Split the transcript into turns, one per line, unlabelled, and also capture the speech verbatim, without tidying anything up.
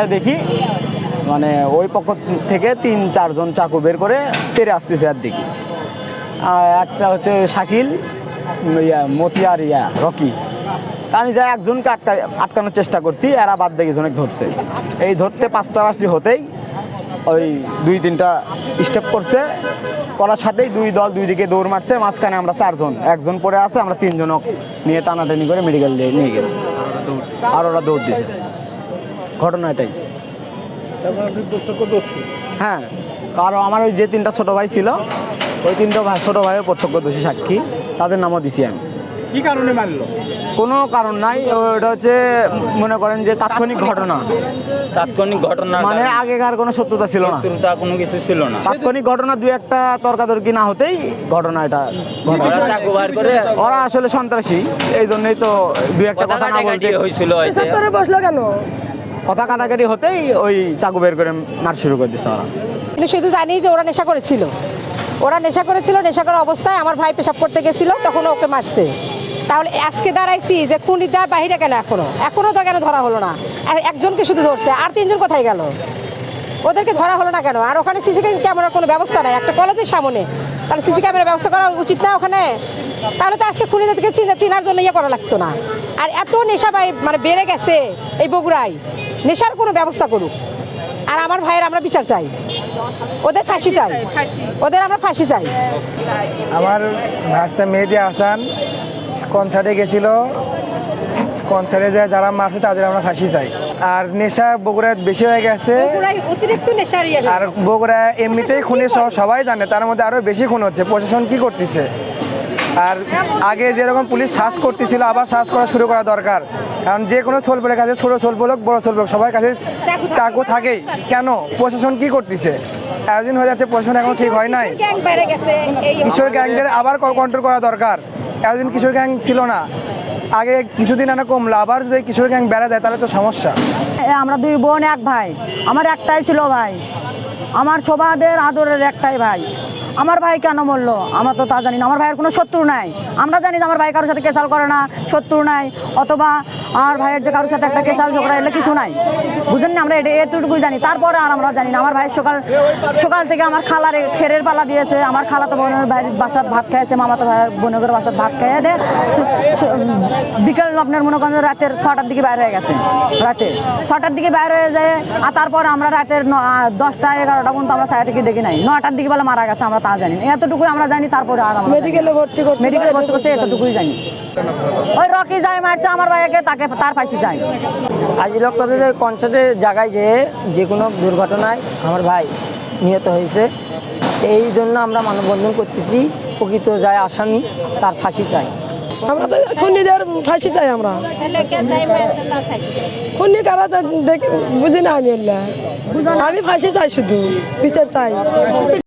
যায় দেখি মানে ওই পক্ষ থেকে তিন চারজন চাকু বের করে তেরে আসতেছে আর দেখি একটা হচ্ছে শাকিল, ইয়া মতিয়ার, ইয়া রকি। আমি যাই একজনকে আটকা আটকানোর চেষ্টা করছি, এরা বাদ দেখি জনক ধরছে। এই ধরতে পাঁচটা বাসি হতেই ওই দুই তিনটা স্টেপ করছে, করার সাথেই দুই দল দুই দিকে দৌড় মারছে, মাঝখানে আমরা চারজন, একজন পরে আছে, আমরা তিনজনক নিয়ে টানাটানি করে মেডিকেল দিয়ে নিয়ে গেছি, আর ওরা দৌড় দিয়েছে। ঘটনা এটাই। হ্যাঁ, কারণ আমার ওই যে তিনটা ছোটো ভাই ছিল, ওই তিনটা ভাই ছোটো ভাইয়ের প্রত্যক্ষদর্শী সাক্ষী, তাদের নামও দিছি আমি।
কি কারণে মারলো?
কোনো কারণ নাই, ওটা হচ্ছে মনে করেন যে তাৎক্ষণিক ঘটনা।
তাৎক্ষণিক ঘটনা
মানে আগেকার কোনো শত্রুতা ছিল না,
শত্রুতা কোনো কিছু ছিল না।
তাৎক্ষণিক ঘটনা, দুই একটা তর্কাতর্কি না হতেই ঘটনা এটা ঘটনা।
ওরা চাকু বার করে,
ওরা আসলে সন্ত্রাসী, এই জন্যই তো দুই একটা কথা না বলতে
হয়েছিল।
বসলো কেন?
কথা কাটাকাটি হতেই ওই চাকু বের করে মার শুরু করে দিচ্ছে ওরা।
কিন্তু শুধু জানি যে ওরা নেশা করেছিল, ওরা নেশা করেছিল, নেশা করা অবস্থায় আমার ভাই পেশাব করতে গেছিল, তখন ওকে মারছে। তাহলে আজকে দাঁড়াইছি যে খুনিটা বাহিরে কেন, এখনো এখনো তো কেন ধরা হলো না? একজনকে শুধু ধরছে, আর তিনজন কোথায় গেল? ওদেরকে ধরা হলো না কেন? আর ওখানে সিসি ক্যামেরার কোনো ব্যবস্থা নাই একটা কলেজের সামনে, তাহলে সিসি ক্যামেরার ব্যবস্থা করা উচিত না ওখানে? তাহলে তো আজকে খুনিদেরকে চিনা চিনার জন্য ইয়ে করা লাগতো না। আর এত নেশা বাই মানে বেড়ে গেছে এই বগুড়ায়, নেশার কোনো ব্যবস্থা করুক। আর আমার ভাইয়ের আমরা বিচার চাই, ওদের ফাঁসি চাই, ওদের আমরা ফাঁসি চাই।
আমার ভাস্তা মেহেদি হাসান কনসার্টে গেছিল, কনসার্টে যায় যারা মারছে তাদের আমরা ফাঁসি চাই। আর নেশা বগুড়ায় বেশি হয়ে গেছে,
অতিরিক্ত নেশার ইয়ে।
আর বগুড়া এমনিতেই খুনের সহ সবাই জানে, তার মধ্যে আরও বেশি খুন হচ্ছে। প্রশাসন কি করতেছে? আর আগে যেরকম পুলিশ সার্চ করতেছিল, আবার সার্চ করা শুরু করা দরকার। কারণ যে কোনো সোলপলের কাছে, ছোটো সোলপল হোক বড়ো সোলপল হোক, সবার কাছে চাকু থাকেই। কেন প্রশাসন কি করতেছে? এতদিন হয়ে যাচ্ছে, প্রশাসন এখন ঠিক হয় নাই। কিশোর গ্যাংদের আবার কন্ট্রোল করা দরকার। এতদিন কিশোর গ্যাং ছিল না, আগে কিছুদিন আনা কমলো, আবার যদি কিশোর গ্যাং বেড়া দেয় তাহলে তো সমস্যা।
আমরা দুই বোন এক ভাই, আমার একটাই ছিল ভাই, আমার সবাদের আদরের একটাই ভাই। আমার ভাই কেন মরলো আমরা তো তা জানি না। আমার ভাইয়ের কোনো শত্রু নাই, আমরা জানি যে আমার ভাই কারোর সাথে কেসাল করে না, শত্রু নাই, অথবা আমার ভাইয়ের যে কারোর সাথে একটা কেসাল ঝগড়া এলে কিছু নাই, বুঝেন না? আমরা এটা এতটুকুই জানি, তারপরে আর আমরা জানি না। আমার ভাই সকাল সকাল থেকে আমার খালার খেরের পালা দিয়েছে, আমার খালা তো বোনের ভাইয়ের বাসার ভাত খেয়েছে, মামা তো ভাইয়ের বোনের বাসার ভাত খেয়ে দে বিকেল আপনার মনে করেন রাতের ছটার দিকে বাইর হয়ে গেছে, রাতে ছটার দিকে বাইর হয়ে যায়। আর তারপর আমরা রাতের দশটা এগারোটা পর্যন্ত আমরা ছায়া থেকে দেখি নাই, নয়টার দিকে বেলা মারা গেছে, আমরা তা জানি না। এতটুকুই আমরা জানি, তারপরে আর মেডিকেলে ভর্তি করছে, মেডিকেলে ভর্তি করছে, এতটুকুই জানি। ওই রকি যায় মারছে আমার ভাইকে, তাকে তার ফাঁসি চাই।
আজ লক্ষ্যদের কনসার্টের জায়গায় যে যে কোনো দুর্ঘটনায় আমার ভাই নিহত হয়েছে, এই জন্য আমরা মানববন্ধন করতেছি। প্রকৃত যায় আসামি, তার ফাঁসি চাই।
আমরা তো খুনিদের ফাঁসি চাই, আমরা খুনি কারা দেখি বুঝি না, আমি আমি ফাঁসি চাই, শুধু বিচার চাই।